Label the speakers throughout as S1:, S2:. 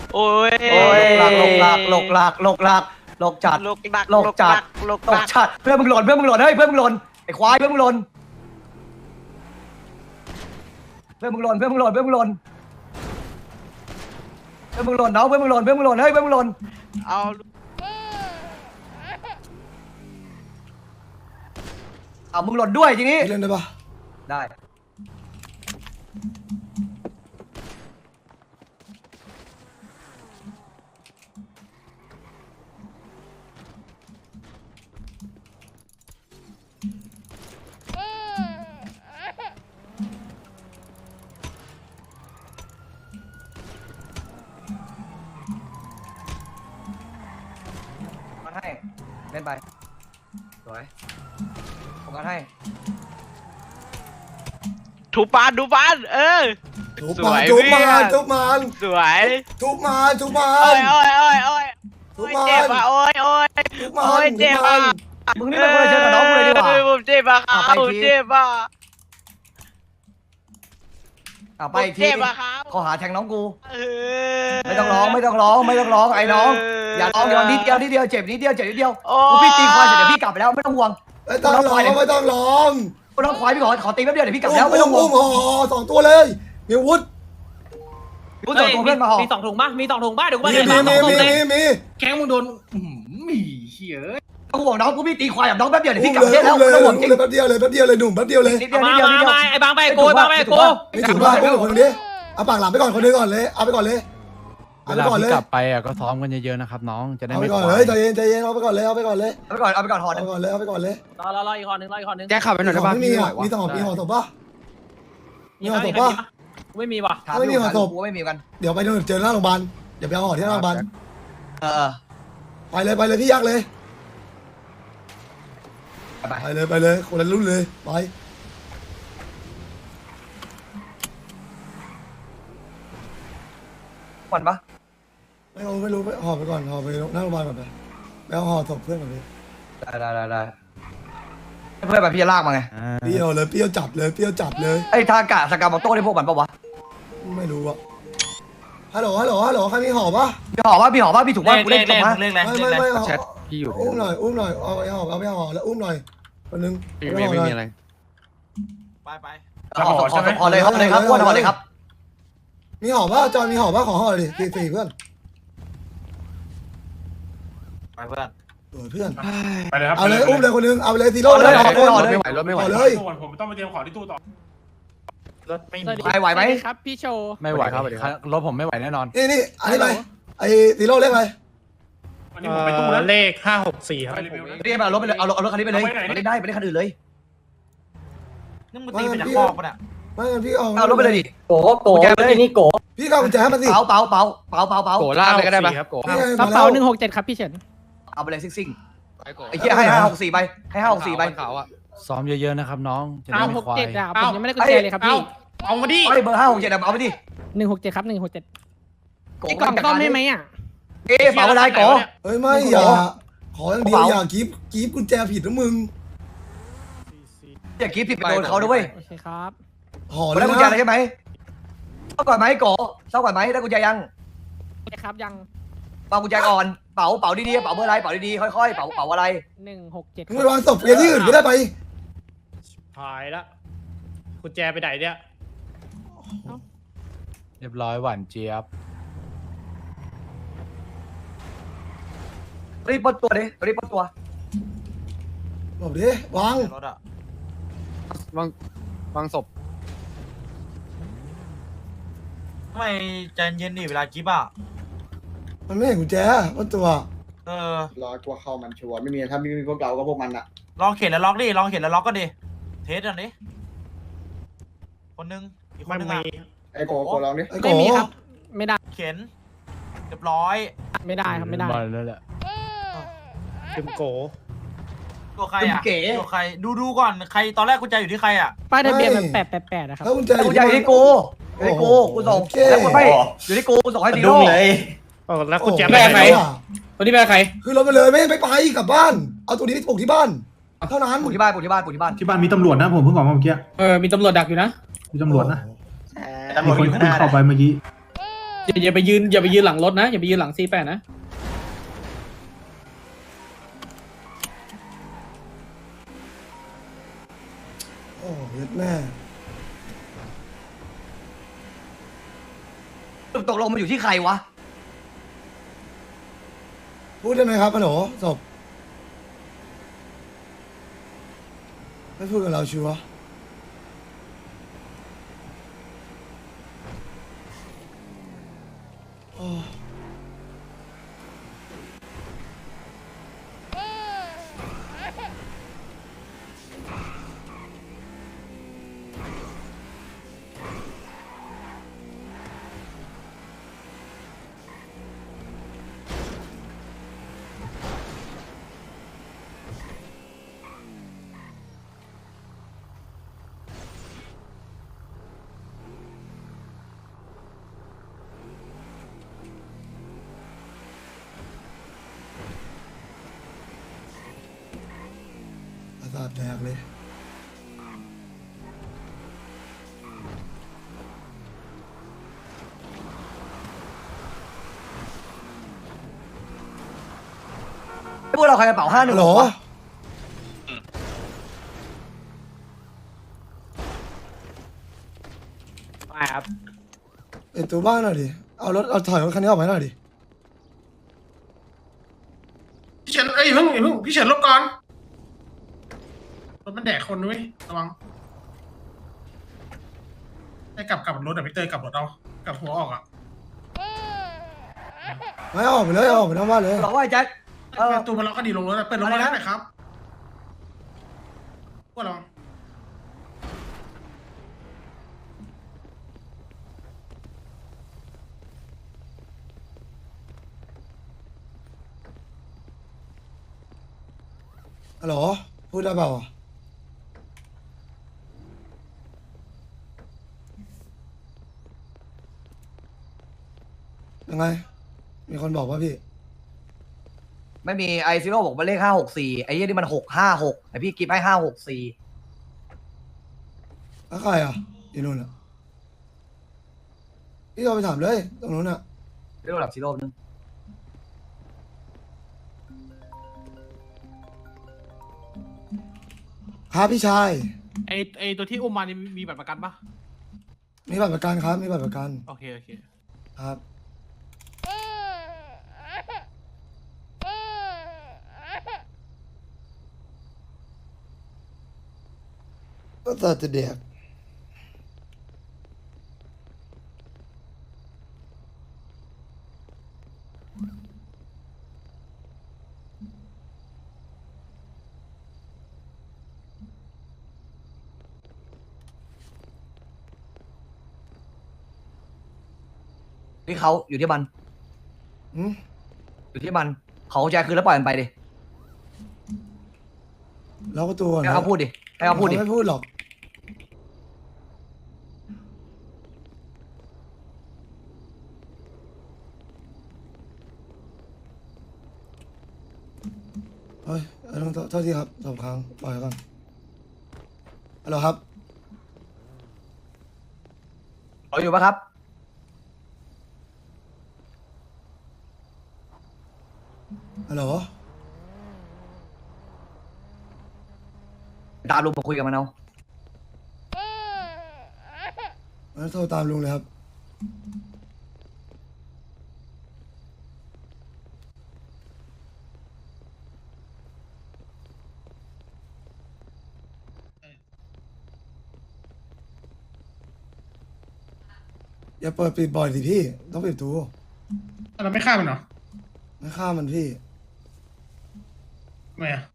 S1: โอ้ย
S2: หลกจัด
S1: ลกจัด
S2: เพื่อนมึงหล่นเฮ้ยเพื่อนมึงหล่นไอ้ควายเพื่อนมึงหล่นน้องเพื่อนมึงหล่นเฮ้ยเพื่อนมึงหล่น
S1: เอา
S2: มึงหล่นด้วยทีนี้
S3: เล่นได้ปะ
S2: ได้มันให้เล่นไปสวยผมกันให้
S1: ถูปาน
S3: ทุบ
S1: สวย
S3: ทุบมัน
S1: เพื่อน
S3: ทุบมัน
S1: สวย
S3: ทุบมันทุบมั
S1: โอ้
S3: น
S1: ย
S3: ทุบมัน
S1: เจ็บอ่ะโอ้ย
S3: ทุบมัน
S1: โอ้ย
S3: ทุ
S1: เจ็
S3: บบ มั
S1: อ่ะ
S3: น
S2: มึงนี่เป็นคนละเชิญกับน้องกูเลยดีกว่า
S1: ผมเจ็บอ่ะครับผมเจ็บอ่ะ
S2: ไปอีกที
S1: เจ็บอ่ะครับ
S2: ข้อหาแทงน้องกูไม่ต้องร้องไอ้น้องอย่าร้องเดี๋ยวนิดเดียวเจ็บนิดเดียวกูพี่ตีควายเสร็จเดี๋ยวพี่กลับไปแล้วไม่ต้องห่วง
S3: ไม่ต้องร้องไม่ต้องร้อง
S2: กูน้องควายพี่ขอตีแป๊บเดียวเดี๋ยวพี่กลับแล้วไม่ต้องห่ว
S3: อุ้
S2: ง
S3: มห่อสองตัวเลยมีอาวุธ
S2: กูส่งตัวเพื่อนมาห่อ
S4: มีสองถุงป่ะเดี๋ยวกูมา
S3: มี
S4: เดี๋ยวมาสองถุงเลย
S3: มี
S4: แข้งมึงโดนมีเหี้ย
S2: ต้องห่วงน้องกูพี่ตีควายแบบน้องแป๊บเดียวเดี๋ยว
S3: อุ้
S2: พี่
S3: ม
S2: กลับ
S3: เลย
S2: แล้ว
S3: อุ้มเลย
S2: ไม่ต้องห่วงจริง
S3: แป๊บเดียวเลยหนุ่มแป๊บเดียวเลย
S2: นิดเดียว
S4: มาไอ้บางไปโกบางไปโก
S3: ไม่ถึงว่าอุ้มคนนี้เอาปากหลังไปก่อนคนนึงก่อนเลยเอาไปก่อนเลย
S5: เว
S3: เอาไป
S5: ลา
S3: ก่อนเล
S5: ที่
S3: ย
S5: กลับไปอ่ะก็ซ้อมกันเยอะๆนะครับน้องจะได้
S3: เอาไป
S5: ไม่
S3: ก่อน
S5: ควา
S3: เลย
S5: ย
S3: ใจเย็นเอาไปก่อนเลยเอาไปก่อนเลย
S2: เอาไปก่อนห่อ
S3: เอา
S2: นึ
S3: ไป
S2: ง
S3: ก่อนเลยเอาไปก่อนเลย
S4: รออีกห่อหนึ่งรอ
S5: แจ้ขับไปหน่อยได้ป่ะ
S3: ไม่มี
S5: พี่ไหว
S3: อ่ะ
S5: วะ
S3: มีต่อมีห่อศพปะ
S4: ไม่มีว่ะ
S2: ไม่มีกัน
S3: เดี๋ยวไปเจอหน้าโรงพยาบาลเดี๋ยวไปเอาห่อที่หน้าโรงพยาบาล ไปเลยพี่ยักษ์เลยไปเลยคนละรุ่นเลยไป
S2: ก่อนปะ
S3: ไม่รู้ไปห่อไปก่อนห่อไปหน้าโรงพยาบาลก่อนไปเอาห่อศพเพื่อนก่อนเลย
S2: ได้เพื่อนแบบพี่จะลากมาไง
S3: เปรี้ยวจับเลย
S2: ไอ้ทากะสกามอโต้ได้พวกมันปะวะ
S3: ไม่รู้อะฮัลโหลใครมีห่อปะ
S2: พี่ห่อพี่ถูกว่ากูเล่นถูกปะ
S3: ไม่
S5: แชทพี่อยู่
S3: อุ้มหน่อยเอาไปห่อแล้วอุ้มหน่อยคนนึง
S5: ไม่มีอะไร
S2: ห่อเลยครับห่อเลยครับ
S3: มีห่อปะจอยมีห่อปะขอห่อดิสี่เพื่อน
S6: ไปเพื่อน
S3: เพื่อน
S7: ไปเลยครับ
S3: เอาเลยอุ้มเลยคนนึงเอาไปเลยซีโร่เลย
S5: รถไม่ไหว
S3: ห่อเลย
S7: ส่วนผมต้องไปเตรียมของที่ตู้ต่อ
S6: รถไม่มี
S2: ไหวไหม
S4: ครับพี่โชว์
S5: ไม่ไหวครับรถผมไม่ไหวแน่นอน
S3: นี่อันนี้ไปไอ้ซีโร่เรียกอะไร
S7: วันนี้ผมไปตู้แล้ว
S6: เลข564ครับ
S7: ไปรีวิวนะ
S2: เรียกมาเอารถไปเลยเอารถคันนี้ไปเลยไม่ได้ไปเล่นคันอื่นเลย
S6: นี่มึงตีไปจากคอกปะเนี่ย
S3: ไม่งั้นพี่
S2: เอารถไปเลยดิ
S4: โกนี่โก
S3: พี่ก็กุญแจให้มันสิ
S2: เป๋า
S5: โกล่าไปก็ได้ป่ะโก
S4: กระเป๋า167ครับพี่เฉิน
S2: เอาไปเลยซิ่งไอ้เหี้ยให้564ไปให้564ไป
S5: เขาอ่ะซ้อมเยอะๆนะครับน้องจะได้ไม่ควาย
S4: 167อ่ะผมยังไม่ได้กุญแจเลยครับพี่
S6: เอามาดิ
S2: ไอ้เบอร์567เอาไปดิ
S4: 167ครับ167ไอ้กล่องซ่อมให้ไหมอ่ะ
S2: เอ๊ะเป๋าอะไรก่อ
S3: เฮ้ยไม่อย่าขออย่างเดียวอย่ากีบกุญแจผิดนะมึง
S2: อย่าคิดผิดไปโดนเขาด้วย
S4: โอเคครับ
S3: ห่อเล
S2: ได้
S3: ย
S2: กุญแจ
S3: นะ
S2: อะไรใช่ไหมเท่าก่อนไหมก่อเท่าก่อนไหมได้กุญแจยัง
S4: ครับยัง
S2: เป่ากุญแจก่อนเป๋าดีๆเป๋าเบอร์อะไรเป๋าดีๆค่อยๆเป๋าอะไร
S4: 167
S3: มึงไปวางศพเรียนที่อื่นก็ได้ไป
S6: หายละกุญแจไปไหนเนี่ย
S5: เรียบร้อยหวานเจี๊ยบ
S2: รีบปลดตัวดิรีบปลดตัว
S3: บอกดิวาง
S6: รถอะ
S5: วางศพ
S6: ทำไมใจเย็นดิเวลากิ๊บอ่ะ
S3: มันไม่เห็นกุญแจว่าตัว
S8: รอกลัวเข้ามันชัวร์ไม่มีถ้าไม่มีพวกเราก็พวกมันอะ
S6: ลองเข็นแล้วล็อกดิลองเข็นแล้วล็อกก็ดิเทสกันดิคนนึงอีกคนนึงอ่ะ
S8: ไอ้โกโกลองดิ
S3: ไอ้โก
S4: ไม่มีครับไม่ได้
S6: เข็นเรียบร้อย
S4: ไม่ได้ครับไม่ได้
S5: มาแล้วแหละ
S6: ถึงโกตัวใครอ่ะตัวใครดูก่อนใครตอนแรกกุญแจอยู่ที่ใครอ่ะ
S4: ป้ายทะเบียนแบบ888นะครับ
S3: ถ้ากุญแจ
S2: กุญแจอยู่ที่กูกูส่งแล้วไม่อยู่ที่กูส่งให้ซีโร่
S6: แล้วกุญแจ
S3: แม่ใคร
S4: ตัวนี้เป็นใคร
S3: คือรถไปเลยไม่ไปกลับบ้าน เอาตัวนี้ไปปลูกที่บ้านเท่านั้น
S2: ปู่ที่บ้าน
S7: ที่บ้านมีตำรวจนะผมเพิ่งออกมาเมื่อกี้
S4: มีตำรวจดักอยู่นะ
S7: มีตำรวจนะ
S6: ตำรวจอยู่ข้างหน้า
S7: เข้าไปเมื่อกี้
S4: จอย่าไปยืนหลังรถนะอย่าไปยืนหลังC8นะ
S3: โอ้เย็ดแม่
S2: ตกลงมันอยู่ที่ใครวะ
S3: พูดได้ไหมครับฮัลโหลศพไม่พูดกับเราชัวร์โอ้ประสาทแดกเลย
S2: พวกเราใครกระเป๋า51
S3: ฮัลโหล
S4: ไม่ครับ
S3: เป็นตัวบ้านหน่อยดิเอาถอยรถคันนี้ออกไปหน่อยดิ
S7: พี่เฉินเพิ่งพี่เฉินลบก่อนรถมันแดกคนด้วยระวังให้กลับรถพี่เตยกลับรถเอากลับหัวออกอ่ะ
S3: ไม่เอาออกไปเลยเอาออกไปนอกบ้านเลย
S2: บอกว่าไอ้แจ็ค
S7: ตัวมันล็อกก็ดีลงรถเปิดลงมาได้ไหมครับพวกเรา
S3: ฮัลโหลพูดได้เปล่าอ่ะยังไง มีคนบอกว่าพี่
S2: ไม่มีไอซีโร่บอกว่าเลข564ไอ้เหี้ยนี่มัน656ไอพี่กิฟให้564
S3: แล้วใครอ่ะอยู่นู่นอ่ะพี่เอาไปถามเลยตรงนู้นอ่ะ
S2: เรียกระดับซีโร่นึง
S3: ครับพี่ชาย
S4: ไอตัวที่อุ้มมานี่มีบัตรประกันปะ
S3: มีบัตรประกันครับมีบัตรประกัน
S4: โอเค
S3: ครับก็ตัดจะเด็ก
S2: ที่เขาอยู่ที่มัน
S3: อืม
S2: อยู่ที่มันเขาแจคืนแล้วปล่อยมันไปดิ
S3: ล็อกประตูก่อน
S2: ให้เขาพูดดิให้เขาพูดดิ
S3: ไม่พูดหรอกเฮ้ยต้องโทษทีครับสองครั้งปล่อยก่อนฮัลโหลครับ
S2: เขาอยู่ปะครับ
S3: ฮัลโหล
S2: ตามลุงมาคุยกับมันเอา
S3: งั้นโทรตามลุงเลยครับอย่าเปิดปิดบ่อยสิพี่ต้องปิดประตู
S7: เราไม่ฆ่ามันเหรอ
S3: ไม่ฆ่ามันพี่
S7: ทำไมอ่ะ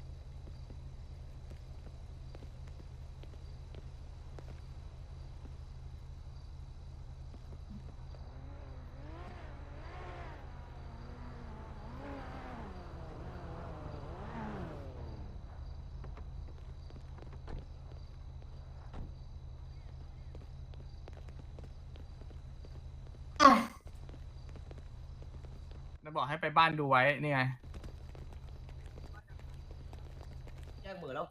S7: อ้าว
S4: แล้วบอกให้ไปบ้านดูไว้นี่ไง
S2: แยกมือแล้ว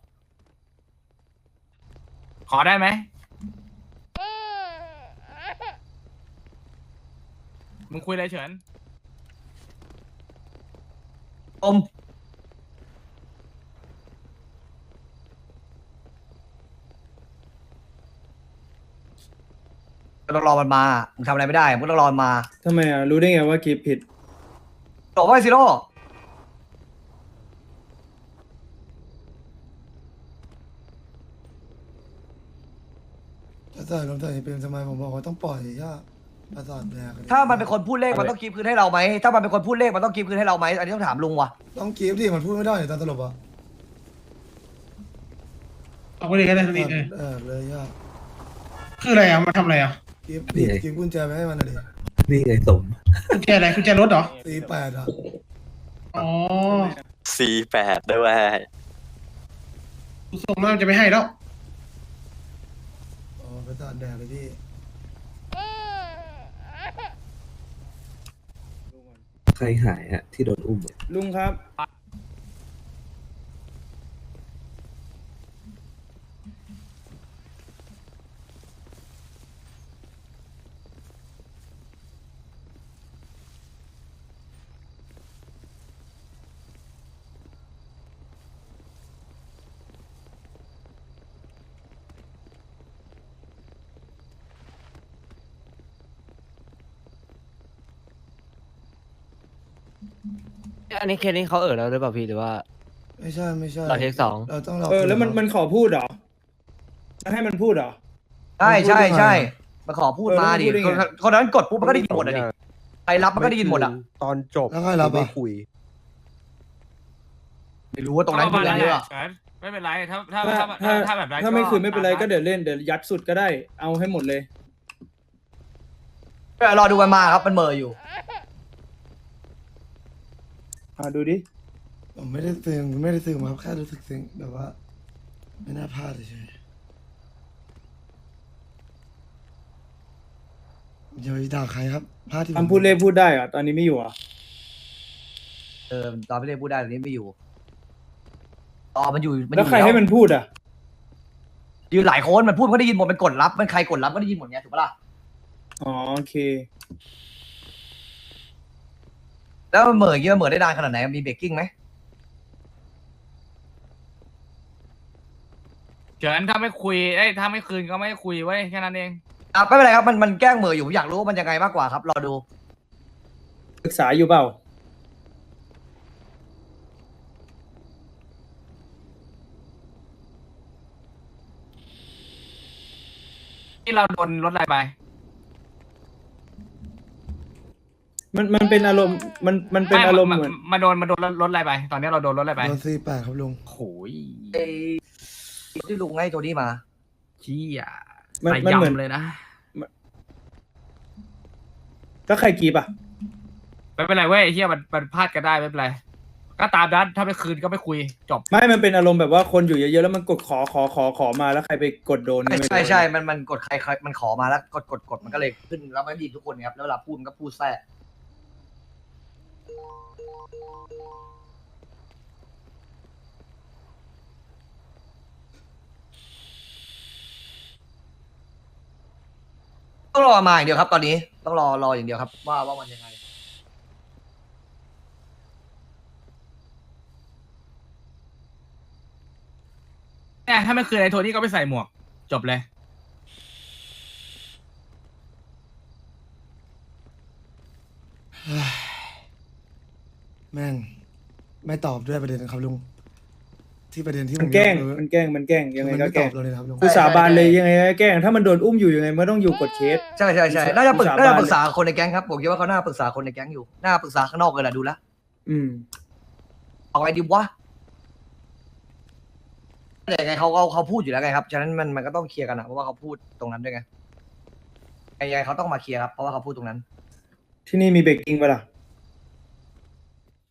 S4: ขอได้ไหม
S6: มึงคุยอะไรเฉิน
S2: อมต้องรอมันมามึงทำอะไรไม่ได้มึงต้องรอมันมา
S9: ทำไมอ่ะรู้ได้ไงว่ากีผิด
S2: บอกว่าไอ้ซิโร่
S3: จะใส่ลงใส่เป็นทำไมผมบอกว่าต้องปล่อยย่าประสาทแดก
S2: ถ้ามันเป็นคนพูดเลขมันต้องกีบคืนให้เราไหมถ้ามันเป็นคนพูดเลขมันต้องกีบคืนให้เราไหมอันนี้ต้องถามลุงว่ะ
S3: ต้องกีฟดิมันพูดไม่ได้ตอนตลบอ่ะ
S7: เอาไปเลยก็ได้ทันที
S3: เลยย่า
S7: คืออะไรอ่ะมาทำอะไรอ่ะ
S3: กีฟดิกีฟกุญแจไปให้มันหน่อยดิ
S10: นี่ไงสม
S7: กุญแจอะไรกุญแจรถเหรอ
S3: 48อ่ะ
S7: อ๋อ
S10: 48ด้วย
S7: ดูทรงแล้วมันจะไม่ให้แล้ว
S3: อ๋อประสาทแดกเลยพี่
S10: ใครหายอะที่โดนอุ้มอะ
S9: ลุงครับ
S4: อันนี้เคสนี้เขาแล้วหรือเปล่าพี่หรือว่า
S3: ไม่ใช่ไม่ใช่
S4: เราเทคสอง
S3: เราต้องรอ
S9: แล้วมันขอพูดเหรอจะให้มันพูดเหรอ
S2: ใช่ใช่ใช่มาขอพูดมาดิ
S9: เออแล้วมันพูดได้ไง
S2: คนนั้นกดปุ๊บมันก็ได้ยินหมดอ่ะดิใครรับมันก็ได้ยินหมดอ่ะ
S10: ตอนจบ
S3: แล้วใครรับอ่ะ
S2: ไม่รู้ว่าตรงนั้นคืออะไรอ่ะ
S6: ไม่เป็นไรถ้า
S9: ถ้า
S6: แบบนั้น
S9: ถ้าไม่คืนไม่เป็นไรก็เดี๋ยวเล่นเดี๋ยวยัดสุดก็ได้เอาให้หมดเลย
S2: รอดูมันมาครับมันเหมออยู่
S9: ดูดิ
S3: ผมไม่ได้ซึ้งไม่ได้ซึ้งมาครับแค่รู้สึกซึ้งแบบว่า ไม่น่าพลาดเฉยอย่าไปด่าใครครับพลาดที่ผม
S9: คำพูดเล่พูดได้เหรอตอนนี้ไม่อยู่เหรอ่ะ
S2: ตอนไม่ได้พูดได้ตอนนี้ไม่อยู่มันอยู่มันอ
S9: แล้ว
S2: ยู่
S9: ใครให้มันพูดอ่ะ
S2: อยู่หลายคนมันพูดมันก็ได้ยินหมดมันกดรับมันใครกดรับก็ได้ยินหมดไงถูกปะล่ะ
S9: อ๋อโอเค
S2: แล้วมันเหมออย่างงี้มันเหมอได้นานขนาดไหนมีเบรกกิ้งไหม
S6: เฉินถ้าไม่คุยถ้าไม่คืนก็ไม่คุยไว้แค่นั้นเอง
S2: ไม่เป็นไรครับมันแกล้งเหมออยู่ผมอยากรู้ว่ามันยังไงมากกว่าครับรอดู
S9: ศึกษาอยู่เปล่า
S6: ที่เราโดนรถอะไรไป
S9: มันเป็นอารมณ์มันเป็นอารมณ์เหมือน
S6: มาโดนรถอะไรไป ตอนนี้เราโดนรถอะไรไป
S3: โดน48ครับลุง
S6: โอ้ย
S2: ไอ้ที่ลุงให้โทนี่มา
S6: ชี้อ่ะ
S9: มันเหมือน
S6: เลยนะ
S9: แล้วใครกีบอ่ะ
S6: ไม่เป็นไรเว้ยเฮียมันพลาดกันได้ไม่เป็นไรก็ตามนั้นถ้าไม่คืนก็ไม่คุยจบ
S9: ไม่มันเป็นอารมณ์แบบว่าคนอยู่เยอะๆแล้วมันกดขอมาแล้วใครไปกดโดน
S2: ใช่มันกดใครมันขอมาแล้วกดมันก็เลยขึ้นแล้วมันดีทุกคนครับแล้วเวลาพูดมันก็พูดแทรกต้องรอมาอย่างเดียวครับ ตอนนี้ต้องรออย่างเดียวครับ ว่ามันยังไง
S6: เนี่ยถ้าไม่คืนไอ้โทนี่ก็ไปใส่หมวกจบเลย
S3: แม่งไม่ตอบด้วยประเด็นนะครับลุงที่ประเด็นที่
S9: มันแกล้ง
S3: ผม
S9: มันแกล้งยังไง
S3: มัน
S9: ก็
S3: ไม่
S9: แก
S3: ต
S9: ล้
S3: อง บเราเลยนะครับลุง
S9: กูสาบานเลยยังไงก็แกล้งถ้ามันโดนอุ้มอยู่ยังไงมันต้องอยู่กดเคส
S2: ใช่น่าจะปรึกษาคนในแก๊งครับผมคิดว่าเขาน่าปรึกษาคนในแก๊งอยู่น่าปรึกษาข้างนอกเลยแหละดูแล้ว เอาไงดีวะแต่ยังไงเขาพูดอยู่แล้วไงครับฉะนั้นมันก็ต้องเคลียร์กันนะเพราะว่าเขาพูดตรงนั้นด้วยไงยังไงเขาต้องมาเคลียร์ครับเพราะว่าเขาพูดตรงนั้น
S9: ที่นี่มีเบรกกิ้งปะล่ะ